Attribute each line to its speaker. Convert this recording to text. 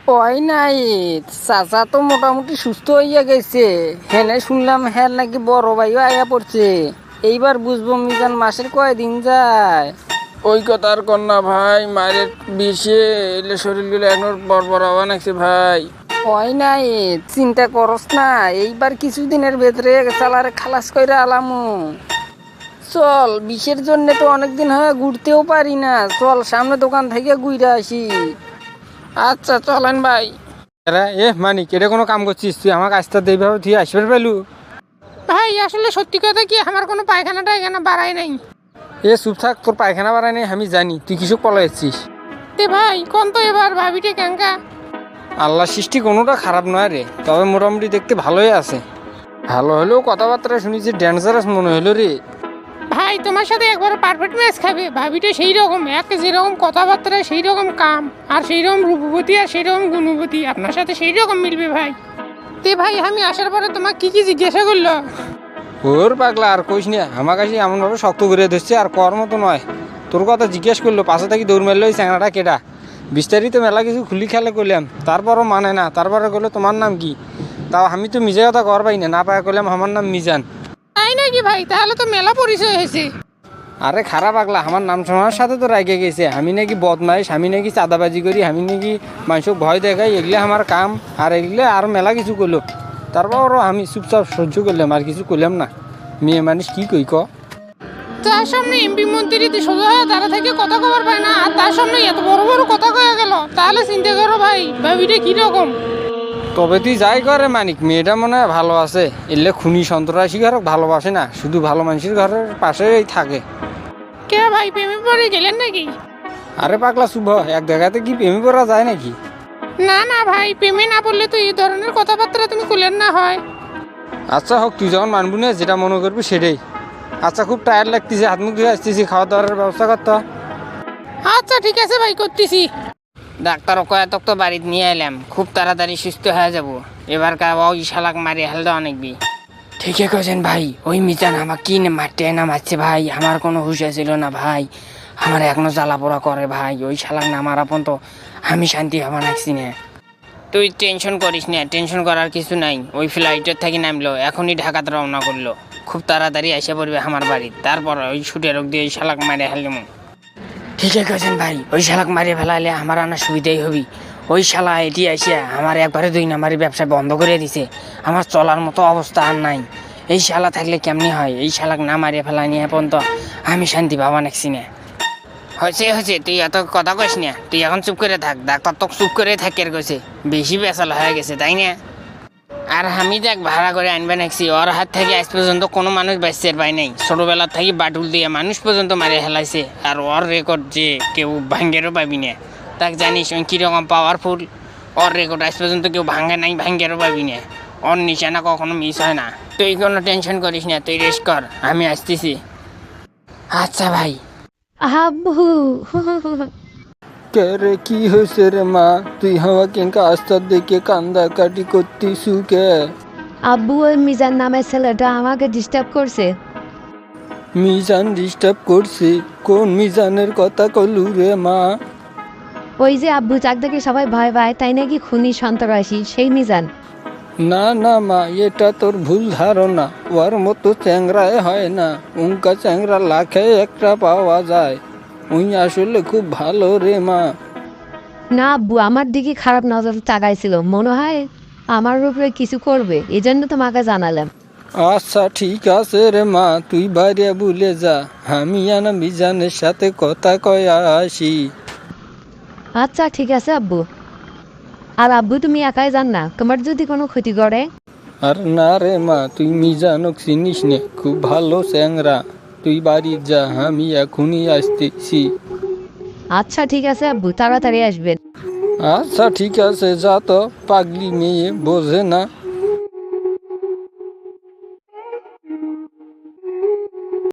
Speaker 1: ওই নাই, চাচা তো মোটামুটি সুস্থ হইয়া গেছে। হেনে শুনলাম হ্যাঁ নাকি বড় ভাইও আয়া পড়ছে। এইবার বুঝবো মিজান মাসের কয়দিন যায়।
Speaker 2: ওই কথার কন্যা ভাই, মায়ের বিষে এলে শরীরগুলো এখন বড় হওয়া নাকছে ভাই।
Speaker 1: ওই নাই, চিন্তা করস না, এইবার কিছুদিনের ভেতরে চালারে খালাস কইরা আলামু। চল, বিষের জন্য তো অনেকদিন হয়ে ঘুরতেও পারি না, চল সামনে দোকান থেকে ঘুরে আসি।
Speaker 2: আচ্ছা চলেন ভাই।
Speaker 3: মানিক, এটা কোনো কাম করছিস তুই? আমাকে আসতে এইভাবে তুই আসবে পেলু?
Speaker 4: ভাই আসলে সত্যি কথা কি, আমার কোনো পায়খানা টায়খানা বাড়াই নাই।
Speaker 3: চুপ থাক, তোর পায়খানা বাড়াই নেই আমি জানি, তুই কিছু পলাইছিস।
Speaker 4: তে ভাই কোন তো এবার ভাবিটে ক্যাঙ্কা।
Speaker 3: আল্লাহ সৃষ্টি কোনোটা খারাপ নয় রে, তবে মোটামুটি দেখতে ভালোই আছে। ভালো হলেও কথাবার্তা শুনেছি ডেঞ্জারাস মনে হলো রে।
Speaker 4: ভাই তোমার সাথে একবার পারফেক্ট ম্যাচ খাবে। ভাবিটা সেই রকম, এক যেরকম কথাবার্তা সেই রকম কাম, আর সেই রকম রূপবতী আর সেই রকম গুণবতী, আপনার সাথে সেই রকম মিলবে ভাই। তে ভাই আমি আসার পরে তোমাকে কি কি জিজ্ঞাসা করলো?
Speaker 3: ওর পাগলা আর কইস না, আমার কাছে এমনভাবে শক্ত করে ধরছে আর কর মতো নয়। তোর কথা জিজ্ঞেস করলো, পাশে থাকি দৌড় মারলো ওই চ্যাংড়াটা কেটা। বিস্তারিত মেলা কিছু খুলি খেলে করলাম, তারপরও মানে না। তারপরে করলো তোমার নাম কি? তাও আমি তো মিজে কথা কর পাই না পাই করলাম আমার নাম মিজান।
Speaker 4: তাই নাকি ভাই? তাহলে তো মেলা পরিচয় হয়েছে।
Speaker 3: আরে খারাপ পাগলা, আমার নাম শোনার সাথে তো রাগে গেছে। আমি নাকি বদমাইশ, আমি নাকি চাঁদাবাজি করি, আমি নাকি মানুষকে ভয় দেখাই, এগুলো আমার কাম। আর এগুলো আর মেলা কিছু করলো, তারপরও আমি চুপচাপ সহ্য করলাম, আর কিছু করলাম না। মেয়ে মানুষ কি কই ক?
Speaker 4: তার সামনে এমপি মন্ত্রী সোজা হয়ে দাঁড়া থেকে কথা খবর পায় না, আর তার সামনে এত বড় বড় কথা কয়ে গেল। তাহলে চিন্তা করো ভাই, ভাবিটা কিরকম।
Speaker 3: তবে তুই যাই করে মানিক, মেয়েটা মনে হয় ভালো আছে। এলে খুনি সন্ত্রাসী ঘর ভালোবাসে না, শুধু ভালো মানুষের ঘরের পাশেই থাকে।
Speaker 4: কে ভাই, প্রেমে পড়ে গেলেন নাকি?
Speaker 3: আরে পাগলা শুভ, এক জায়গাতে কি প্রেমে পড়া যায় নাকি?
Speaker 4: না না ভাই, প্রেমে না পড়লে তো এই ধরনের কথাবার্তা তুমি খুলেন না হয়।
Speaker 3: আচ্ছা হোক, তুই যখন মানবি না, যেটা মনে করবি সেটাই। আচ্ছা খুব টায়ার্ড লাগতেছে, হাত মুখ ধুয়ে আসতেছি, খাওয়া দাওয়ার ব্যবস্থা করতে।
Speaker 4: আচ্ছা ঠিক আছে ভাই, করতেছি।
Speaker 1: ডাক্তার কয়েক তো বাড়িতে নিয়ে এলাম, খুব তাড়াতাড়ি সুস্থ হয়ে যাব। এবার ওই শালাক মারি হেলদা অনেকবি। ঠিকই কছেন ভাই, ওই মিজান আমার কি মারতে না মারছে ভাই, আমার কোনো হুঁশে ছিল না ভাই। আমার এখনো জ্বালাপোড়া করে ভাই, ওই শালাক না মারা পর্যন্ত আমি শান্তি হবা নাকছি না। তুই টেনশন করিস না, টেনশন করার কিছু নাই। ওই ফ্লাইটের থেকে নামলো, এখনই ঢাকাতে রওনা করলো, খুব তাড়াতাড়ি এসে পড়বে আমার বাড়ি। তারপর ওই ছুটে রোগ দিয়ে ওই শালাক মারে হেলম। ঠিকই কছেন ভাই, ওই শালাক মারিয়ে ফেলাইলে আমার আনা সুবিধাই হবি। ওই শালা এটি আসিয়া আমার একবারে 2 নাম্বারের ব্যবসা বন্ধ করে দিছে। আমার চলার মতো অবস্থা আর নাই। এই শালা থাকলে কেমনি হয়? এই শালাক না মারিয়ে ফেলাই নিয়ে পর্যন্ত আমি শান্তি পাবা নাকছি না। হয়েছে, তুই এত কথা কইস না, তুই এখন চুপ করে থাক। ডাক্তার তো চুপ করে থাকের কইছে, বেশি বেসাল হয়ে গেছে তাই না? আর আমি দেখ ভাড়া করে আনবে নাকছি, ওর হাত থেকে আজ পর্যন্ত কোনো মানুষ বাঁচতে পাই নাই। ছোটবেলার থেকে বাটুল দিয়ে মানুষ পর্যন্ত মারে হেলাইছে, আর ওর রেকর্ড যে কেউ ভাঙ্গেরও পাবি না। তাক জানিস ওই কীরকম পাওয়ারফুল, ওর রেকর্ড আজ পর্যন্ত কেউ ভাঙ্গে নাই, ভাঙ্গেরও পাবি না। ওর নিশানা কখনো মিস হয় না। তুই কোনো টেনশন করিস না, তুই রেস্ট কর, আমি আসতেছি। আচ্ছা ভাই।
Speaker 5: আব্বু
Speaker 3: কে রে, কি হয়েছে রে মা? তুই আমাকে আস্তার দেখে কান্দা কাটি করতিসু কে?
Speaker 5: আব্বু, ওই মিজান নামের ছেলেটা আমাকে ডিস্টার্ব করছে।
Speaker 3: মিজান ডিস্টার্ব করছে? কোন মিজানের কথা কলু রে মা?
Speaker 5: ওই যে আব্বু যাক দেখে সবাই ভয় পায়, তাই নাকি খুনি সন্ত্রাসী, সেই মিজান।
Speaker 3: না না মা, এটা তোর ভুল ধারণা। ওর মতো চ্যাংরায় হয় না, উনকা চ্যাংরা লাখে একটা পাওয়া যায়। উই আসলে খুব ভালো রে মা।
Speaker 5: না আব্বু, আমার দিকে খারাপ নজর তাকাইছিল, মনে হয় আমার উপরে কিছু করবে, এই জন্য তোমাকে জানালাম।
Speaker 3: আচ্ছা ঠিক আছে রে মা, তুই বাইরে ভুলে যা, আমি না মিজানের সাথে কথা কয়ে আসি।
Speaker 5: আচ্ছা ঠিক আছে আব্বু। আর আব্বু তুমি একাই যান না, তোমার যদি কোনো ক্ষতি করে?
Speaker 3: আর না রে মা, তুই মিজানক চিনিস নে, খুব ভালো চ্যাংরা। তুই বাড়ি যা, আমি এখনই আসতেছি।
Speaker 5: আচ্ছা ঠিক আছে আব্বু, তাড়াতাড়ি আসবেন।
Speaker 3: আচ্ছা ঠিক আছে, যা তো, পাগলি মেয়ে বোঝে না।